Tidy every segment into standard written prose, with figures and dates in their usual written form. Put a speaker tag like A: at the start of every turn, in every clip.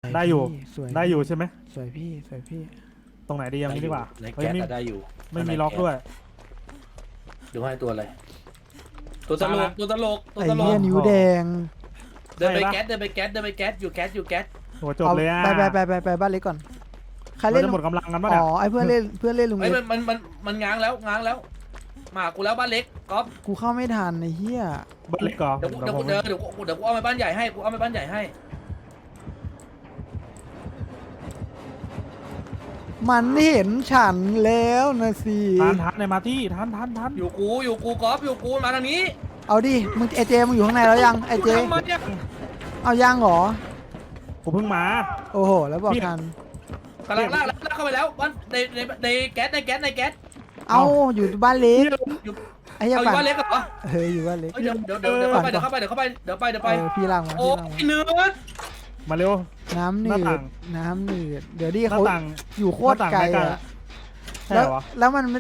A: วย
B: ได้อยู่
A: พี่สวย
B: ได้อยู่ใช่ไหม
A: สวยพี่สวยพี่
B: ตรงไหนดียังนี้ดีกว่า
C: ใน
B: เฮ้ย
C: แก๊ส
B: ไม่
C: อะได้อยู่
B: ไม่มีล็อกด้วย
C: ดูให้ตัวอะไรตัวตลกตัวตลกตัว
A: ไอ้
C: ตล
A: เหี้ย
C: ก
A: นิ้วแดง
C: เดินไปแก๊สเดินไปแก๊สเดินไปแก๊สอยู่แก๊สอยู่แก๊ส
B: โหจบเลยอ่ะ
A: ไปบ้านเล็กก่อนใคร
B: เรา
A: เล่น
B: จะหมดกำลังกันปะ
A: อ๋
B: เนี่ย
A: อไอ้เพื่อนเล่นลุง
C: เฮ้ย
A: เล็ก
C: มันง้างแล้วง้างแล้วมากูแล้วบ้านเล็กก๊อฟ
A: กูเข้าไม่ทันไอ้เหี้ย
B: บ้านเล็กก่อน
C: เดี๋ยวกูเอาไปบ้านใหญ่ให้กูเอาไปบ้านใหญ่ให้
A: มันเห็นฉันแล้วนะสิ
B: ทันในมาที่ทัน
C: อยู่กูก๊อฟอยู่กูมาทางนี้
A: เอาดิมึงไอเจมึงอยู่ข้างในแล้วยังไอเจ
C: ทำไมเนี่ย
A: เอายังเหรอ
B: ผมเพิ่งมา
A: โอ้โหแล้วบอกทัน
C: กำลังลากเข้าไปแล้วบ้านในแก๊สในแก๊ส
A: เอาอยู่บ้านเล็ก
C: อยู่
A: ไอ้เหี้ย
C: เอาอยู่
A: ปั่น
C: บ้านเล็กเหรอ
A: เฮ้ยอยู่บ้านเล็ก
C: เดี๋ยวเข้าไปเดี๋ยวไป
A: พี่ล่างมา
C: โอ้
A: พี่ล่างมา
C: เนื้อ
B: มาเร็ว
A: น้ำหนื
B: หน้า
A: ด
B: ต่าง
A: น้ำหนืดเดี๋ยวดิ
B: หน้า
A: เขา
B: ต่าง
A: อยู่โคตรไกล
B: หน้าต่าง
A: อะ
B: ใช่
A: แล้ว
B: เหรอ
A: แล้วมันไม่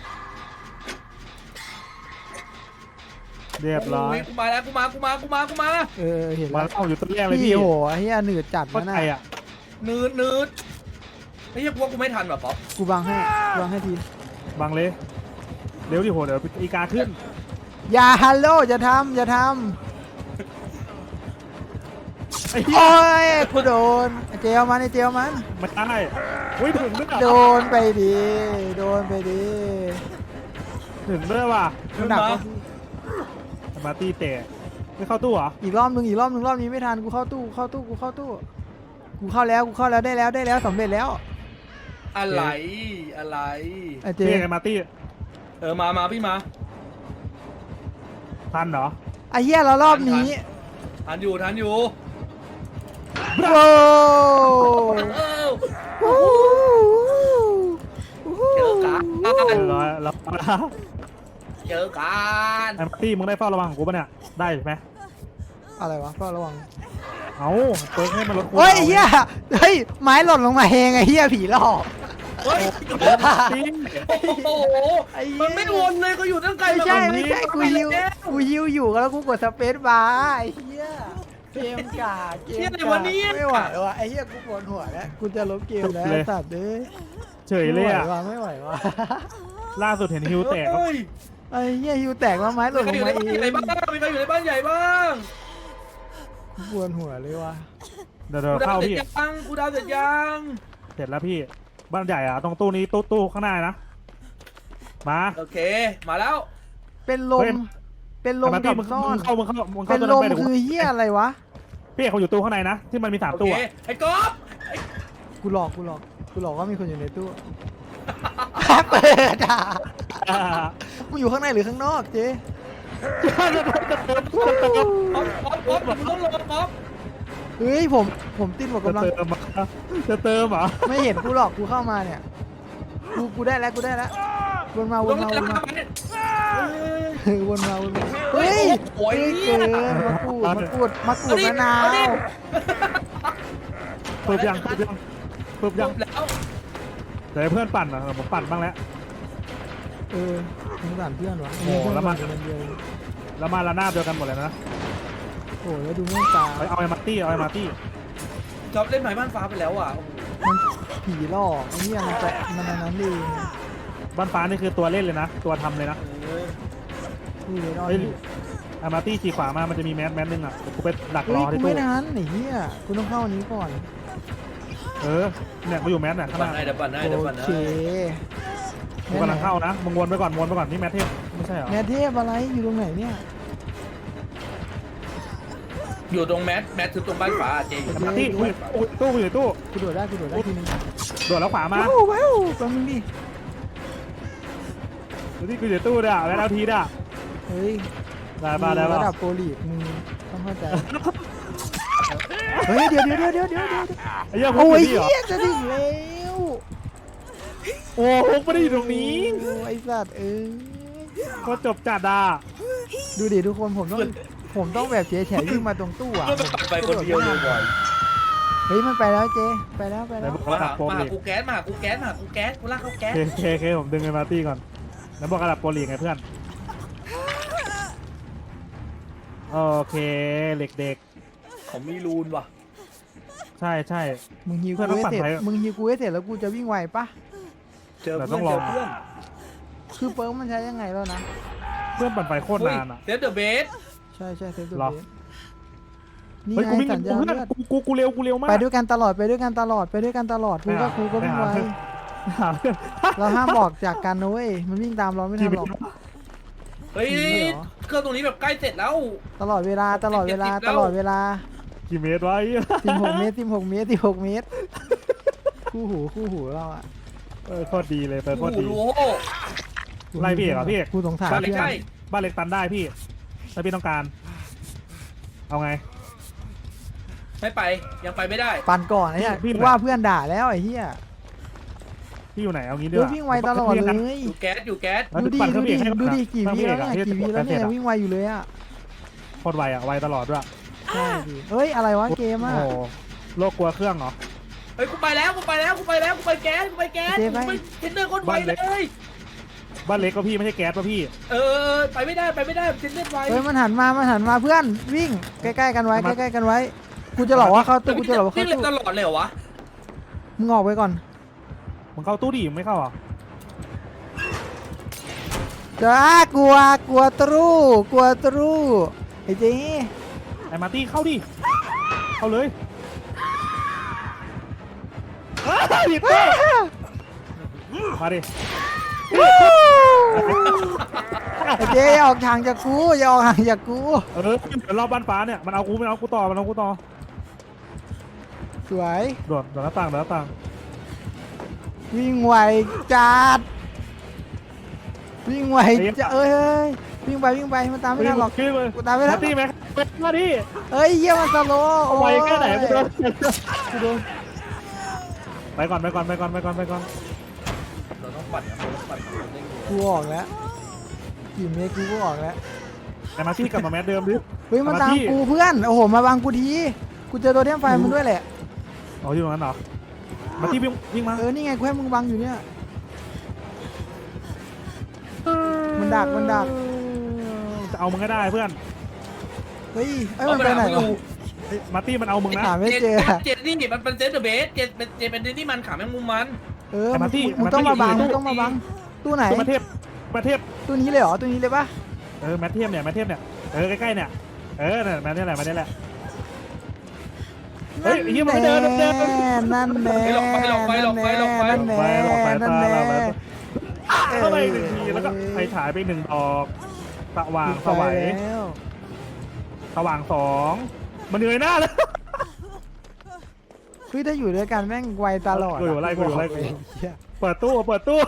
B: เรียบร้อย
C: กูมาแล้วกูมา
A: เห็น
B: มา
A: แล้ว
B: เอาอยู่ต้นแรกเลย
A: พี่
B: พี่
A: โหไอ้เหี้ยหนืดจัด
B: ก็
A: นะ
B: ไก
A: น่ะ
B: ลอ่ะ
C: เนื้อไอ้เหี้ยกูไม่ทันแบบป๊อป
A: กูบังให้ที
B: บังเลยเร็วดิโหเดี๋ยวอีกาขึ้น
A: อย่าฮัลโหลอย่าทำ
B: ไอ้เหี้ย
A: โอ้ยกูโดนไอ้เจลมันไอ้เจลมัน
B: ไม่ได้อุ้ยถึงด้วย
A: โดนไปดิโดนไปดิ
B: ถึงด้วยว่ะ
A: มันหนักกว่า
B: มาตีเตะไม่เข้าตู้เหรอ
A: อีกรอบนึงรอบนี้ไม่ทันกูเข้าตู้กูเข้าแล้วได้แล้วสำเร็จแล้ว
C: อะไร
A: ไอ้เจ
B: เรียกไงมาตี้
C: มาพี่มา
B: ทันเหรอ
A: ไอ้เหี้ยเรารอบนี้
C: ทันอยู่
A: โว้
C: เจอกัน
B: เรียบร้อยแล้ว
C: เจอกัน
B: ไอ้มาตี้มึงได้เฝ้าระวังของกูปะเนี่ยได้ไหม
A: อะไรวะก็ระวัง
B: เอาเปิดให้มันลด
A: โอ้ยไอ้เหี้ยเฮ้ยไม้หล่นลงมาเองไอ้เหี้ยผีหลอก
C: เฮ้ย
B: จริง
C: โอ้โหมันไม่วนเลยก็อยู่ตั้งไกล
A: ไม่ใช่กูฮิวอยู่แล้วกูกดสเปซบาร์ไอ้เหี้ยเกมกาไม่ไหวว่ะไอ้เหี้ยกูปวดหัวแล้วกูจะลบเกมแล้วสัตว์เอ้ย
B: เฉยเลยอ่ะ
A: ไม่ไหวว่ะ
B: ล่าสุดเห็นฮิวแตก
A: ไอ้เหี้ยฮิวแตกแล้วไม้ห
C: มี
A: ล่น
C: ใคร
A: ล
C: อง ยู่ใน
A: มา
C: บ้าน
A: เอ
C: ใหญ่
A: ง
C: บ้างมีใครอยู่ในบ้านใหญ่บ้าง
A: ปวดหัวเลยว่ะ
B: เดี๋ยว
C: กูดา
B: เข้าว
C: เสร็จ
B: พี่
C: ยังกูดาวเสร็จยัง
B: เสร็จแล้วพี่บ้านใหญ่อ่ะตรงตู้นี้ตู้ข้างหน้านะมา
C: โอเคมาแล้ว
A: เป็นลมกับ
B: มึง
A: ซ่อน
B: เข้า
A: เป็นลมคือเหี้ยอะไรวะ
B: พี่เขาอยู่ตู้ข้างในนะที่มันมี3
C: โอ
B: ตู้
C: เคไอ้ก๊อฟ
A: กูหลอกว่ามีคนอยู่ในตู้เปิดอ่ะมึงอยู่ข้างในหรือข้างนอกเจ๊
C: ก๊อฟมึงต้องลงก๊อฟ
A: เฮ้ยผมติดหมด
B: จะ
A: กำลัง
B: เติมจะเติมเหรอ
A: ไม่เห็นกูหรอกกูเข้ามาเนี่ยกูได้แล้ววนมาวนมาเฮ้ย
C: โอ้ย
A: เกินมะกรูดมะนาว
B: เปิดยัง
C: แล้ว
B: เดี๋ยวเพื่อนปั่นอ่ะผมปั่นบ้างแล้ว
A: สงสารเพื่อนวะ
B: แล้วมาละหน้าเดียวกันหมดเลยนะ
A: โอ้แล้วดูแม่งตา
B: เอาไอ้มาร์ตี้
C: ก๊อฟเล่นหมายบ้านฟ้าไปแล้วอ่ะ
A: มันผีหลอกไอ้เนี่ยมันนั้นเอง
B: บ้านฟ้านี่คือตัวเล่นเลยนะตัวทำเลยนะ
A: กูเลยนอน
B: ไอ้มาร์ตี้ขี่ขวามามันจะมีแมสนึงอ่ะกูไปดักร
A: เฮ้
B: อย ที่
A: กู
B: ตู้
A: ไม่ทันไอ้เหี้ยกูต้องเข้าอันนี้ก่อน
B: เนี่ยกูอยู่แมสเนี่ยข้างหน้า
C: เดี๋ยวปั่นให้
A: โอเค
B: กูกำลังเข้านะมึงวนไปก่อนนี่แมสเทพไม่ใช่เหรอ
A: แม่เทพอะไรอยู่ตรงไหนเนี่ย
C: อยู่ตรงแมทคือตรงบ้านฟ้าเจอยู่
B: ไอ้มาร์ตี้ตู้กูอยู่ตู้
A: กูโดดได้ทีนึง
B: โดดแล้วขวามา
A: ว้าวแป๊บนึงดิ
B: ที่กูอยู่ตู้ด่ะแล้วเอาทีด่ะ
A: เฮ้ย
B: ได้ป่ะ
A: ระดับโปรลีกมึงต้องเข้าใจเฮ้ยเดี๋ยว
B: ไอ้เหี้ยพวก
A: โอ้ย
B: นี้เหรอ
A: เหี้ยจะถึงแล้ว
B: โอ้พวกไม่ได้อยู่ตรงนี้
A: ไอ้สัตว์
B: ก็จบจัดอ่ะ
A: ดูดิทุกคนผมต้องแบบเฉยวิ่งมาตรงตู้อ่ะ
C: ก็ไปคนเดียวเลยบ่อย
A: เฮ้ยมันไปแล้วเจ๊ไปแล้ว
B: ไหนบอก
C: มา
B: ระดับโปร
C: หา
B: ลีก
C: กูแก๊สกูลากเข้าแก๊ส
B: เคผมดึงไอ้มาร์ตี้ก่อนแล้วบอกระดับโปรลีกไงเพื่อนโอเคเหล็กเด็ก
C: เขามีรูนว่ะ
B: ใช่ใช่
A: มึงฮิว
B: เพื่
A: กู
B: อนต้อง
A: ให้
B: ปั่น
A: เสร็จ
B: ไฟ
A: มึงฮิวกูให้เสร็จแล้วกูจะวิ่งไวปะ
C: เจอ
B: แต่
C: เพื่
B: ต้
C: อ
B: อน งร
C: เจ
B: อ
C: อเพื่อน
A: คือเปิร์กมันใช้ยังไงแล้วนะ
B: เพื่อนปั่นไฟโคตรนานอ่ะ
C: เซฟเดอะเบส
A: ใช่ใช่เซฟตัว
B: หรอ
A: เบสนี่
B: เฮ้ย
A: ไง
B: กูวิ่ง
A: สัญญาณ
B: เพื่อน
A: เลือด
B: กูเร็วมาก
A: ไปด้วยกันตลอดไปด้วยกันตลอดไปด้วยกันตลอดกูก็กูก็วิ่งไว
B: หาเพื่อน
A: เราห้ามบอกจากกันนะเว้ยมันวิ่งตามเราไม่ทันหรอก
C: เฮ้ย
A: จริงเหรอ
C: เครื่องตรงนี้แบบใกล้เสร็จแล้ว
A: ตลอดเวลาตลอดเวลา
C: 70
A: ตลอดเวลา
B: กี่เมตรวะไอ้เหี้ย
A: 16 เมตร16 เมตร16 เมตรคู่หูเราอะ
B: โคตรดีเลยเปิดโค
C: โอ้
B: ตร
C: โห
B: ดี
C: รู้โ
B: ไล่พี่เอกเหรอพี่เอก
A: กูสงสาร
C: บ้าน
A: เพื่อน
C: ใกล้
B: บ้านเล็กตันได้พี่ถ้าพี่ต้องการ เอาไง
C: ไม่ไปยังไปไม่ได้
A: ปั่นก่อนไอ้เนี่ย
B: พี่
A: กูว่าเพื่อนด่าแล้วไอ้เหี้ย
B: พี่อยู่ไหนเอางี้ดี
A: ดู
B: กว่า
A: วิ่งไวตลอดเลย
C: อยู่แก๊สอยู่แก๊ส
B: แล้ว
A: ดูดิ
B: ปั่นเครื่
A: ดู
B: อง
A: ดิ
B: พี่ให้
A: ดูดิกี่
B: เครื่อง
A: วิ
B: พี่
A: แล้ว
B: เอกอะ
A: เนี่ยกี่วิแล้วเนี่ย
B: เสร็จอะ
A: วิ่งไวอยู่เลยอะ
B: โคตรไวอ่ะไวตลอดด้วย
A: ใช่ดิเฮ้ยอะไรวะเกมอะ
B: โอ้โหโลกกลัวเครื่องเหรอ
C: เฮ้ยกูไปแล้วกูไปแล้วกูไปแล้วกูไปแก๊สกูไปแก๊ส
A: เจ๊ไป
C: กูไปเทนเนอร์โคตรไวเลย
B: บ้านเล็กก็พี่ไม่ใช่แก๊สป่ะพี่
C: เออไปไม่ได้เทนเนอร์ไว
A: เฮ้ยมันหันมาเพื่อนวิ่งใกล้ๆกันไว้ใกล้ๆกันไว้กูจะหลอกว่าเข้าตู้กูจะหลอกว่า
C: นี่
A: เข้า
C: เล่น
A: ตู้
C: ตลอดเลยเหรอวะ
A: มึงออกไปก่อน
B: มึงเข้าตู้ดิมึงไม่เข้าอ่ะ
A: จ้ากลัวตรูไอ้เจ๊
B: ไอ้มาร์ตี้เข้าดิเข้าเลยผิดตัวมาดิ
A: ไอ้เจ๊อย่าออกห่างจากกูอย่าออกห่างจากกู
B: เดี๋ยวรอบบ้านฟ้าเนี่ยมันเอากูต่อ
A: สวย
B: โดดหน้าต่าง
A: วิ่งไวจัดวิ่งไวจะเอ้ยวิ่งไปมันตามไม่ทันหรอก
B: ขึ้นเลย
A: กูตามไม่ทั
B: มาน ร์ตี้ไหมมาดิ
A: เอ้ยเยี่ยมันสโลว์โอ้
B: ไวย แค่ไหนกูโดน
A: กูโดน
B: ไปก่อน
C: เราต้องปั่นเราต้องปั่น
A: กูออกแล้วกี่เมตรกูก็ออกแล้ว
B: ไอ้มาร์ตี้กลับมาแมสเดิมดิ
A: เฮ้ยมันตามกูเพื่อนโอ้โหมาบังกูทีกูเจอตัวเทียมไฟมันด้วยแหละ
B: อ๋ออยู่ตรงนั้นเหรอมาร์ตี้วิ่งมา
A: นี่ไงกูให้มึงบังอยู่เนี่ยมันดัก
B: จะเอามึงให้ได้เพื่อน
A: เฮ้ยมันไปไหนวะ
B: มาร์ตี้มันเอามึงนะ
A: หาไม่เจอ
C: เจ็ดนี่มันเป็นเซฟเดอะเบสเจ็ดเป็นที่มันขาแมงมุมมัน
A: มึงต้องมาบังตู้ไหน
B: ตัวมาเทพ
A: ตู้นี้เลยเหรอตู้นี้เลยปะ
B: แมทเทพเนี่ยใกล้ๆเนี่ยเนี่ยแมทนี่แหละเฮ้ยยี่มันไม่เดิน
A: นั่นแน่
B: เข้าไปหนึ่งทีแล้วก็ไฟฉายไปหนึ่งดอกสว่างสวัยสว่างสองมันเหนื่อยหน้าแล้ว
A: คือถ้าอยู่ด้วยกันแม่งไวตลอด
B: กูอยู่ไล่เปิดตู้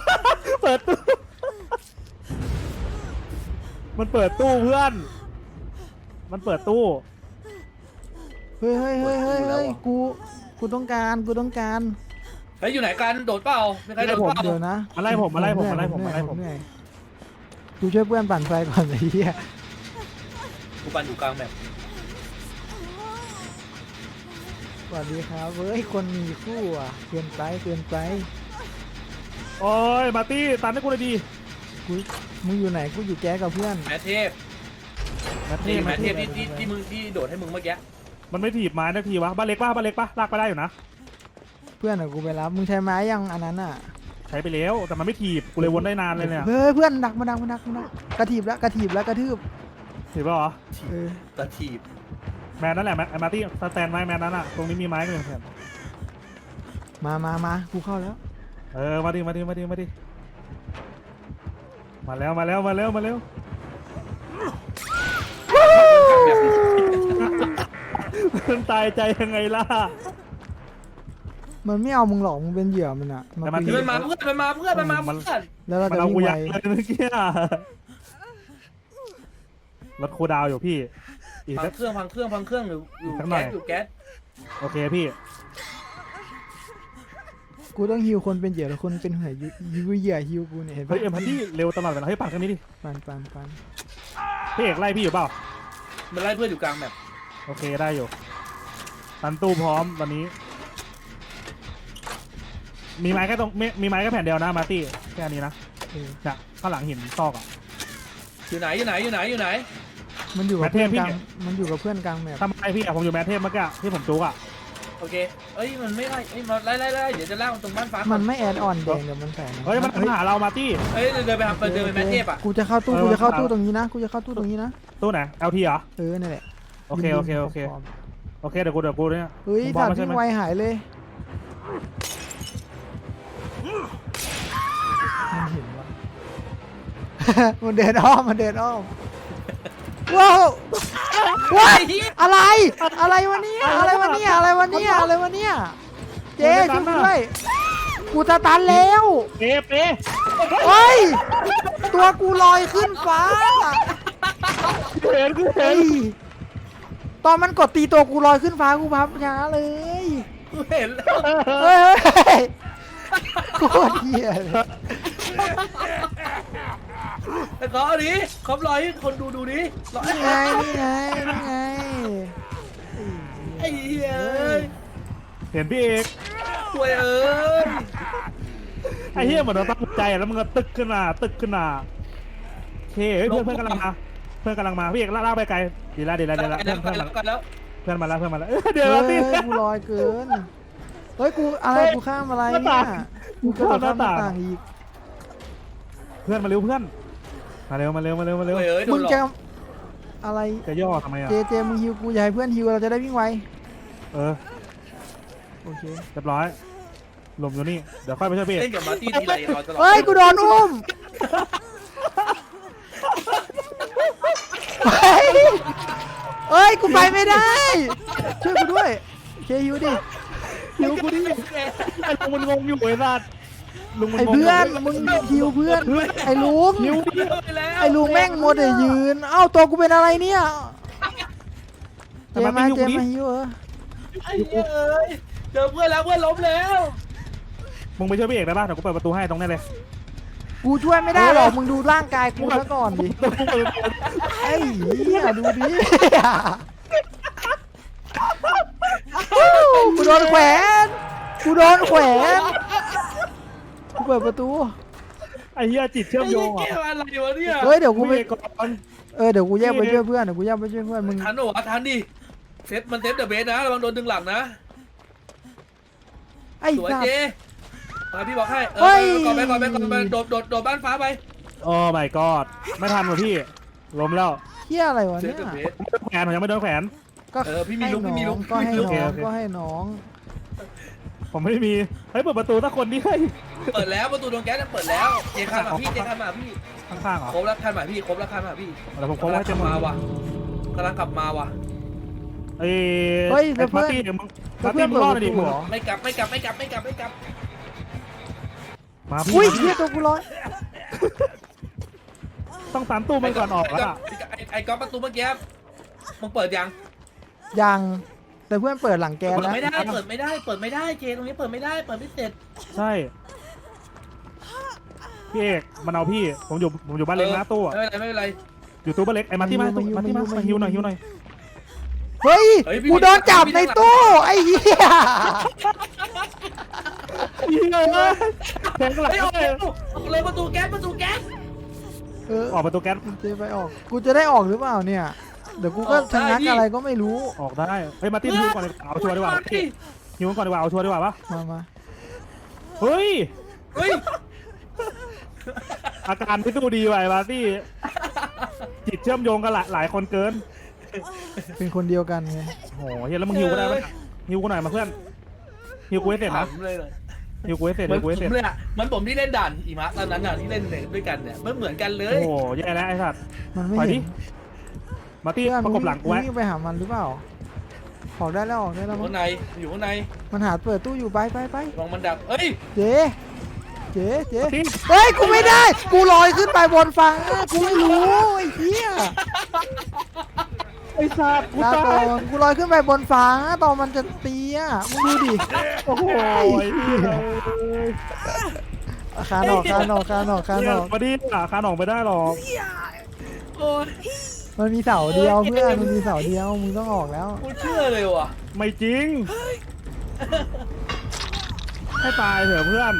B: มันเปิดตู้เพื่อนมันเปิดตู้
A: เฮ้ยกูต้องการ
C: เฮ้ยอยู่ไหนกันโดดเปล่ามีใครโดดเปล่า
A: เดี๋ยวนะ
B: มาไล่ผม
A: เหนื่อยกูช่วยเพื่อนปั่นไฟก่อนไอ้เหี้ย
C: กูปั่นอยู่กลางแบบ
A: สวัสดีครับเฮ้ยคนมีคู่อ่ะเกินไป
B: โอ้ยมาร์ตี้ตันให้กูเลยดี
A: มึงอยู่ไหนกูอยู่แก๊สกับเพื่อน
C: แมทเทพที่มึงที่โดดให้มึงเมื่อกี้
B: มันไม่ถีบไม้นาทีวะบ้านเล็กปะลากไปได้อยู่นะ
A: เพื่อนกูไปรับมึงใช้ไม้ยังอันนั้นอ่ะ
B: ใช้ไปแล้วแต่มันไม่ถีบกูเลยวนได้นานเลยเนี่ย
A: เฮ้ยเพื่อนดักมากระถีบแล้วกระทืบ
B: ถีบป่ะเหรอ
C: ตะทีบ
B: แมนนั่นแหละมาร์ตี้สแตนไม้แมนนั้นอ่ะตรงนี้มีไม้กันอยู่แถม
A: มากูเข้าแล้ว
B: มาดิมาแล้วมันตายใจยังไงล่ะ
A: มันไม่เอามึงหรอกมึงเป็นเหยื่อมันอ่ะ
B: แต่มัน
A: คุย
C: มันมาเพื่อน
A: แล้วเรา
B: มัน
A: จะ
B: เอา
A: วิ่
B: กู
A: ง
B: ยั
A: ไว
B: งเลยเมื่อกี้รถคูดาวอยู่พี่อีก
C: พั
B: สั
C: ง
B: ก
C: เครื่องอยู่แก๊ส
B: โอเคพี่
A: กูต้องฮิวคนเป็นเหยื่อแล้วคนเป็นเหยื่อฮิวกูเนี่ยเห็น
B: เฮ้
A: ปะ
B: ยพันที่เร็วตลอดเวลาเฮ้ยปั่นกันนี้ดิ
A: ปัน
B: พี่เอกไล่พี่อยู่เปล่า
C: มันไล่เพื่อนอยู่กลางแบบ
B: โอเคได้อยู่ตันตู้พร้อมตอนนี้มีไม้แค่แผ่นเดียวนะมาร์ตี้แค่นี้นะเนี่ยข้างหลังหินซอกอ่ะ
C: อยู่ไหน
A: มันอยู่กับเพื่อนกลางมันอยู่กับเพื่อนกลางแมป
B: ทำไมพี่อะผมอยู่แมทเทพเมื่อกี้ที่ผมจุกอ่ะ
C: โอเคเอ้ยมันไม่ไล่เอ้ยมาไล่เดี๋ยวจะล่างตรงบ้านฟ้า
A: มั
C: มัน
A: ไม่แอดออนแดงเดี๋ยวมันแฝง
B: เฮ้ยมันหาเรามาตี้
C: เอ้ยเดินไปหาเดินไปแมทเทพอ่ะ
A: กูจะเข้าตู้กูจะเข้าตู้ตรงนี้นะกูจะเข้าตู้ตรงนี้นะ
B: ตู้ไหน LT เหรอ
A: นั่นแหละ
B: โอเคเดี๋ยวกูเนี่ย
A: เฮ้ย
B: มึงบอ
A: ถั
B: ก
A: ด
B: มาใช่
A: ที่
B: ไหม
A: ไวหายเลยมันเห็นว่ะ มันเดินอ้อมว้าวว้ายอะไรวะเนี่ยอะไรวะเนี่ยเจ๊ช่วยกูด้วยกูจะตันแล้ว
B: เป๊ะ
A: เฮ้ยตัวกูลอยขึ้นฟ้า
B: เห็น
A: เฮ้ยตอนมันกดตีตัวกูลอยขึ้นฟ้ากูพับช้าเลย
C: กูเห็นแล้ว
A: เฮ้ยโคตรเหี้ยเลย
C: แต่ก็อันนี้ครบร้อยคนดูดิร้อย
A: นี่ไง
C: ไอ้เหี้ย
B: เห็นพี่เอก
C: สวยเอ้ย
B: ไอ้เหี้ยเหมือนเราตั้งใจแล้วมันก็ตึกขึ้นมาโอเคเฮ้ยเพื่อนกำลังมาพี่เอกล่าไปไกลดีละเพื่อนมาแล้วเดี๋ยว
A: เฮ้
B: ตี้
A: ยกูลอยเกินเฮ้ยกูข้ามอะไรเนี่ยกูกระโดดข้ามหน้าต่างอีก
B: เพื่อนมาเร็วมาเร็ว
C: สวยเอ้ยโด
A: มึ
C: น
A: ง
C: หลอ
A: จะ
C: ก
A: อะไร
B: จะย่อทำไมอ่ะ
A: เจมึงฮิวกูอย่าให้เพื่อนฮิวเราจะได้วิ่งไว โอเค
B: เรียบร้อยลมอยู่นี่เดี๋ยวค่อยไปช่วยพี่
C: เล่นกับมาร์ตี้ทีไรเราจะหลอก
A: เฮ้ยกูโดนอุ้มเฮ้ยกูไปไม่ได้ช่วยกูด้วยเคฮิวดิ
B: ฮิวกูดิไอ้ลุงมันงงอยู่ไอ้สัตว์ลุงมัน
A: ไอ้
B: งง
A: เพื่อนมึงฮิวเพื่อนไอ้ลุง
B: ฮิว
A: ไอ้ลุงแม่งมัวแต่ยืนเอ้าตัวกูเป็นอะไรเนี่ยเจมาฮิว
C: ไอ้เหี้ยเอ้ยเจอเพื่อนแล้วเพื่อนล้มแล้ว
B: มึงไปช่วยพี่เอกได้ป่ะเดี๋ยวกูเปิดประตูให้ตรงนี้เลย
A: กูช่วยไม่ได้หรอกมึงดูร่างกายกูซะก่อนดิไอ้เหี้ยดูดิกูโดนแขวนกูเปิดประตู
B: ไอ้เหี้ยจิตเชื่อมโยง
C: ไอ้
B: อ่ะ
C: เหี้ยอะไรวะเนี่ย
A: เฮ้ยเดี๋ยวกูไป
B: พี่เอกก่อน
A: เดี๋ยวกูแยกไปช่วยเพื่อนมึง
C: ทันหรอทันดิเซฟมันเซฟเดอะเบสนะระวังโดนดึงหลังนะ
A: ไอ้
C: สวย
A: สัต
C: เจ
A: ว์
C: มาพี่บอกให้
A: เฮ้ย
C: ก่อนไปโดดบ้านฟ้าไป
B: โอ้ my god ไม่ทันว่ะพี่ล้มแล้ว
A: เหี้ยอะไรวะ
C: เซ
A: เนี่
C: ฟ
A: ย
C: เดอะเบส
B: แขนผมยังไม่โดนแขวน
A: ก็
C: พี่มีลุก
A: ก็ให้
B: โอเค
A: น้อง
B: ผมไม่มีเฮ้ยเปิดประตูสักคนดิเฮ้ย
C: เปิดแล้วประตูโดนแก๊สเปิดแล้วเจคันมาพี่
B: ข้างๆเหรอ
C: ครบแล้วคันมาพี่
B: เดี๋ยวผมโค้งให้
C: ก
B: เต็
C: ลั
B: ม
C: บ
B: หมด
C: มาว่ะกำลังกลับมาว่ะ
B: เอ้ย
A: แล้วเพื่
B: มา
A: อน
B: ร์ตี้เดี๋ยวมึง
A: แล้
B: มาว ร์
A: เพื่
B: ตี้
A: อน
B: มึ
A: เปิ
B: ง
A: ด
B: รอดเลยดิ
A: ประตู
B: มึง
A: เหรอ
C: ไม่กลับ
B: มาพี่
A: อุ้ยเหี้ยตัวกูลอย
B: ต้องตามตู้มันก่อนออกแล้วอะ
C: ไอ้ก๊อฟประตูเมื่อกี้มึงเปิดยัง
A: ยังแต่เพื่อนเปิดหลังแก
C: เปิด
A: แล้ว
C: ไม่ได้เจตรงนี้เปิดไม่เสร็จ
B: ใช่พี่เอกมันเอาพี่ผมอยู่บ้านเล็กนะตู้อะ
C: ไม่เป็นไร
B: อยู่ตู้บ้านเล็กไอ้มาร์ตี้มาฮิวหน่อย
A: เฮ้ยกูโดนจับในตู้ไอ้เหี้ย
B: ยิงเลยแทงหลัง
C: ไอ้ออกเลยประตูแก๊ส
B: ออกประตูแก๊ส
A: เจไปออกกูจะได้ออกหรือเปล่าเนี่ยเดี๋ยวกูก็ชะงักอะไรก็ไม่รู้
B: ออกได้เฮ้ยมาร์ตี้ฮิวก่อนเอาชัวร์ดีกว่าฮิวก่อนดีกว่าเอาชัวร์ดีกว่าปะ
A: มา
B: เฮ้ย
C: เฮ้ย
B: อาการไม่ดูดีว่ะไอ้มาร์ตี้จิตเชื่อมโยงกันหลายคนเกิน
A: เป็นคนเดียวกันไง
B: โอ้โหเฮียแล้วมึงฮิวก็ได้ไหมฮิวกูหน่อยมาเพื่อนฮิวกูให้เสร็จนะ
C: เลย
B: ฮิวกูให้เสร็จ
C: เหมื
B: ฮิ
C: อน
B: วกูให้เสร็จ
C: ผมเลยอ่ะมันผมที่เล่นด่านอีมะตอนนั้นอ่ะที่เล่นด้วยกันเนี่ยเหมือนกันเล
B: โอ้
C: ย
B: โหแย่แล้วไอ้สัตว์
A: มันไม่
B: ปล่อย
A: เห็
B: ดิ
A: น
B: มาร์ตี้
A: เพื่อน
B: ประกบหลังกูไว้
A: วิ่งไปหามันหรือเปล่าออกได้แล้ว
C: อยู่ข้างใน
A: มันหาเปิดตู้อยู่ไป
C: ลองมันดับเอ้ย
A: เจ๊เฮ้ยกูไม่ได้กูลอยขึ้นไปบนฟ้ากูไม่รู้ไอ้เหี้ย
B: ไอ้สัตว์กู
A: ลา
B: ตา
A: ก่อย นกูลอยขึ้นไปบนฟ้าตอนมันจะตีอ่ะมึงดูดิ
B: โอ้โหเหี้ย
A: คานออก
B: มาดิคานออกไม่ได้หรอก
C: โอ้ย
A: มันมีเสาเดียวเพื่อนมันมีเสาเดียวมึงต้องออกแล้ว
C: กูเชื่อเลยว่ะ
B: ไม่จริงให้ตายเถอะเพื่อน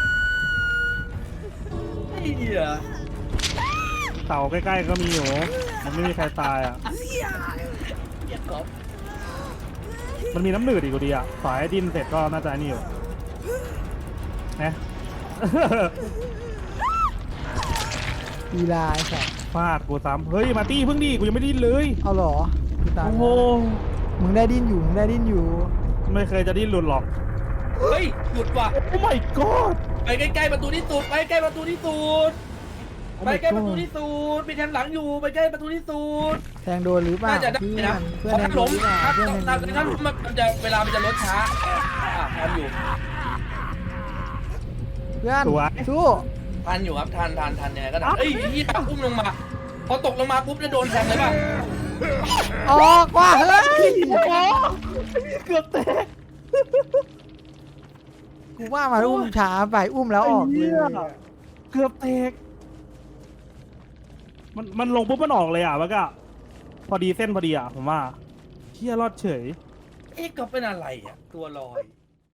C: ไอ้เหี้ย
B: เต่าใกล้ๆก็มีอยู่มันไม่มีใครตายอ่ะ
C: เหี้ยก๊อฟ
B: มันมีน้ำหนืดอีกกูดีอ่ะฝ่ายให้ดินเสร็จก็น่าจะนี่อยู่นะ
A: อีลาไอ้สัส
B: ฟาดกูซ้ำเฮ้ยมาตี้เพิ่งดีกูยังไม่ดิ้นเลย
A: เอาเหรอกูตาย
B: โอ้โห
A: มึงได้ดิ้นอยู่มึงได้ดิ้นอยู่
B: ไม่เคยจะดิ้นหลุดหรอก
C: เฮ้ยหยุดว่ะ
B: โอ้ my god
C: ไปใกล้ๆประตูที่สุดไปใกล้ประตูที่สุด
B: โอ้
C: ไป
B: my
C: ใกล้ประตู
B: god
C: ที่สุดมีแทงหลังอยู่ไปใกล้ประตูที่สุด
A: แทงโดนหรือเปล่า
C: น่าจะได้
A: เพื่อ
C: นะ
A: นเพื่อน
C: เพราะ
A: แท
C: ถ้าง
A: โด
C: ล้
A: น
C: ม
A: หรือเปล่า
C: ถ้า
A: เพื่อนแทงโดนหรือเป
C: ถ้า
A: ล่า
C: ล้มมันจะเวลามันจะลดช้าทันอยู่
A: เพื่อน
B: สวย
A: สู้
C: ทันอยู่ครับทันยังไงก็ทันเอ้ยเฮียอุ้มลงมาพอตกลงมาปุ๊บจะโดนแทงเลยป่ะ
A: ออกว่ะเฮ้ย
B: เกือบแตก
A: กูว่ามาอุ้มช้าไปอุ้มแล้วออกเลย
B: เกือบแตกมันลงปุ๊บมันออกเลยอ่ะมันก็พอดีเส้นพอดีอ่ะผมว่าเฮียรอดเฉย
C: เอ๊ะก็เป็นอะไรอ่ะตัวลอย